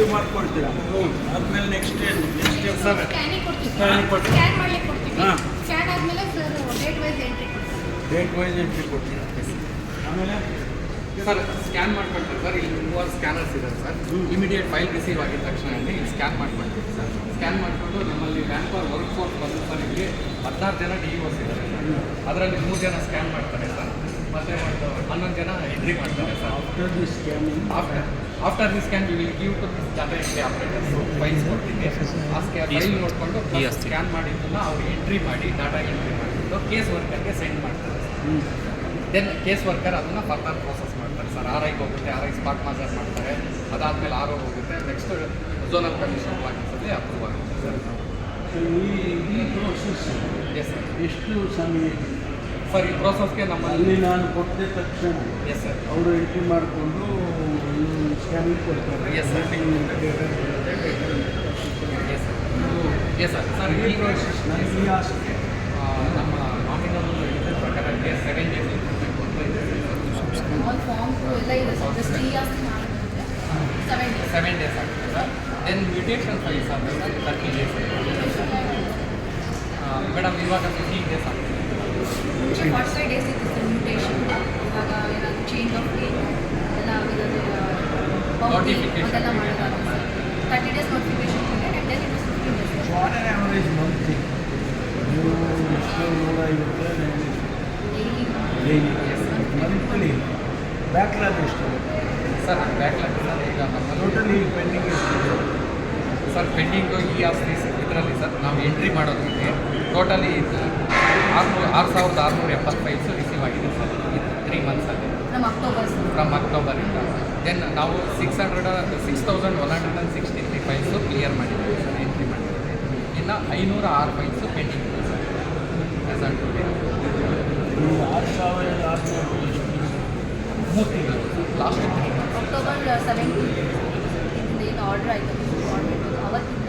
Receive ಮಾಡ್ಕೊಡ್ತೀರಾ ಆದಮೇಲೆ next ಏನು ನೆಕ್ಸ್ಟ್ ಸರ್ ಸ್ಕ್ಯಾನಿಂಗ್ ಸ್ಕ್ಯಾನ್ ಮಾಡ್ಲಿಕ್ಕೆ ಕೊಡ್ತೀವಿ. ಹಾಂ. ಸ್ಕ್ಯಾನ್ ಆದಮೇಲೆ ಸರ್ ಡೇಟ್ ವೈಸ್ ಎಂಟ್ರಿ ಕೊಡ್ತೀವಿ. ಡೇಟ್ ವೈಸ್ ಎಂಟ್ರಿ ಕೊಡ್ತೀರಾ ಆಮೇಲೆ ಸರ್ ಸ್ಕ್ಯಾನ್ ಮಾಡ್ಕೊಳ್ತೀವಿ ಸರ್. ಇಲ್ಲಿ ಮೂವರು ಸ್ಕ್ಯಾನರ್ಸ್ ಇದ್ದಾರೆ ಸರ್. ಇಮಿಡಿಯೇಟ್ ಫೈಲ್ ರಿಸೀವ್ ಆಗಿದ ತಕ್ಷಣ ಇಲ್ಲಿ ಸ್ಕ್ಯಾನ್ ಮಾಡ್ಕೊಳ್ತೀವಿ ಸರ್. ಸ್ಕ್ಯಾನ್ ಮಾಡಿಕೊಂಡು ನಮ್ಮಲ್ಲಿ ಮ್ಯಾನ್ಪವರ್ ವರ್ಕ್ ಫೋರ್ಸ್ ಬಂದು ಸರ್ ಇಲ್ಲಿ 16 ಜನ DOs ಇದ್ದಾರೆ ಸರ್. ಅದರಲ್ಲಿ 3 ಜನ ಸ್ಕ್ಯಾನ್ ಮಾಡ್ತಾರೆ ಸರ್. ಮತ್ತು ಒಂದು 11 ಜನ ಎಂಟ್ರಿ ಮಾಡ್ತಾರೆ sir. After the scan we will give to data entry operators files ಕೊಡ್ತೀವಿ. ಆ ಫೈಲ್ ನೋಡಿಕೊಂಡು ಸ್ಕ್ಯಾನ್ ಮಾಡಿದ್ದನ್ನು ಅವ್ರು ಎಂಟ್ರಿ ಮಾಡಿ ಡಾಟಾ ಎಂಟ್ರಿ ಮಾಡಿಬಿಟ್ಟು ಕೇಸ್ ವರ್ಕರ್ಗೆ ಸೆಂಡ್ ಮಾಡ್ತಾರೆ. ದೆನ್ ಕೇಸ್ ವರ್ಕರ್ ಅದನ್ನು ಫರ್ದರ್ ಪ್ರೋಸೆಸ್ ಮಾಡ್ತಾರೆ ಸರ್. RIಗೆ ಹೋಗುತ್ತೆ, RI ಸ್ಪಾಟ್ ಮಾಜರ್ ಮಾಡ್ತಾರೆ. ಅದಾದಮೇಲೆ RO ಹೋಗುತ್ತೆ. ನೆಕ್ಸ್ಟ್ ಝೋನಲ್ ಕಮಿಷನ್ ಆಫೀಸಲ್ಲಿ ಅಪ್ರೂವ್ ಆಗುತ್ತೆ ಸರ್. ಈ ಪ್ರೋಸೆಸ್ ಎಸ್ ಸರ್. ಎಷ್ಟು ಸಮಯ ಸರ್ ಈ ಪ್ರೋಸೆಸ್ಗೆ ನಮ್ಮಲ್ಲಿ ಅಲ್ಲಿ ನಾನು ಕೊಟ್ಟಿದ ತಕ್ಷಣ ಎಸ್ ಸರ್. ಅವರು ಎಂಟ್ರಿ ಮಾಡಿಕೊಂಡು ಸ್ಕ್ಯಾನಿಂಗ್ ಕೊಡ್ತಾರೆ yes sir. Yes sir. Yes sir. Sir ಈ ಪ್ರೋಸೆಸ್ ನನಗೆ ಆಸಕ್ತಿ ನಮ್ಮ ನಾಮಿನಲ್ ಇದ್ರ ಪ್ರಕಾರ 7 ಡೇಸ್ ಇಂಪ್ರೂವ್ಮೆಂಟ್ ಕೊಡ್ತಾ ಇದೆ ಆಲ್ ಫಾರ್ಮ್ಸ್ ಎಲ್ಲ ಇದೆ ಸರ್. ಜಸ್ಟ್ ಇಯರ್ಸ್ ಮಾಡಿದ್ರೆ 7 ಡೇಸ್ ಆಗ್ತದೆ ಸರ್. ದೆನ್ ಮ್ಯೂಟೇಷನ್ ಫೈಲ್ಸ್ ಆಗ್ತದೆ ಸರ್ 30 ಡೇಸ್. ಮೇಡಮ್ ಇವಾಗ 15 ಡೇಸ್ ಆಗ್ತದೆ. 45 ಡೇಸ್ ಇತ್ತು ಸರ್ ಮ್ಯೂಟೇಷನ್. ಇವಾಗ ಏನಾದರೂ ಚೇಂಜ್ ಆಫ್ ನೇಮ್ ಎಲ್ಲ Notification. ಅದೆಲ್ಲ ಮಾಡೋದಾಗುತ್ತೆ sir. 30 days notification period and then it was 15 days. On on average monthly ನೀವು ಎಷ್ಟು 150 ಡೈಲಿ ಡೈಲಿ ಮಂತ್ಲಿ ಬ್ಯಾಕ್ಲಾಗ್ ಎಷ್ಟು ಸರ್ ಬ್ಯಾಕ್ಲಾಗ್ ಸರ್ ಈಗ ನಮ್ಮಲ್ಲಿ ಟೋಟಲಿ ಪೆಂಡಿಂಗ್ ಎಷ್ಟಿದೆ ಸರ್ ಪೆಂಡಿಂಗು ಇದರಲ್ಲಿ ಸರ್ ನಾವು ಎಂಟ್ರಿ ಮಾಡೋದಕ್ಕೆ ಟೋಟಲಿ 6,670 ಫೈಲ್ಸ್ ರಿಸೀವ್ ಆಗಿದೆ ಸರ್ 3 ಮಂತ್ಸಲ್ಲಿ ನಮ್ಮ ಅಕ್ಟೋಬರ್ ಸರ್. ಫ್ರಮ್ ಅಕ್ಟೋಬರಿಂದ. ದೆನ್ ನಾವು 6,163 ಫೈಲ್ಸು ಕ್ಲಿಯರ್ ಮಾಡಿದ್ದೀವಿ ಸರ್, ಎಂಟ್ರಿ ಮಾಡಿದ್ದೀವಿ. ಇನ್ನು 506 ಫೈಲ್ಸು ಪೆಂಡಿಂಗ್ ಇದೆ ಸರ್ ಪ್ರೆಸೆಂಟ್. ನೀವು 6,600 ಎಷ್ಟು ಲಾಸ್ಟ್ 3 ಮಂತ್ಸ್ ಅಕ್ಟೋಬರ್ 17 ಏನು ಆರ್ಡರ್ ಆಯಿತು ಅವತ್ತು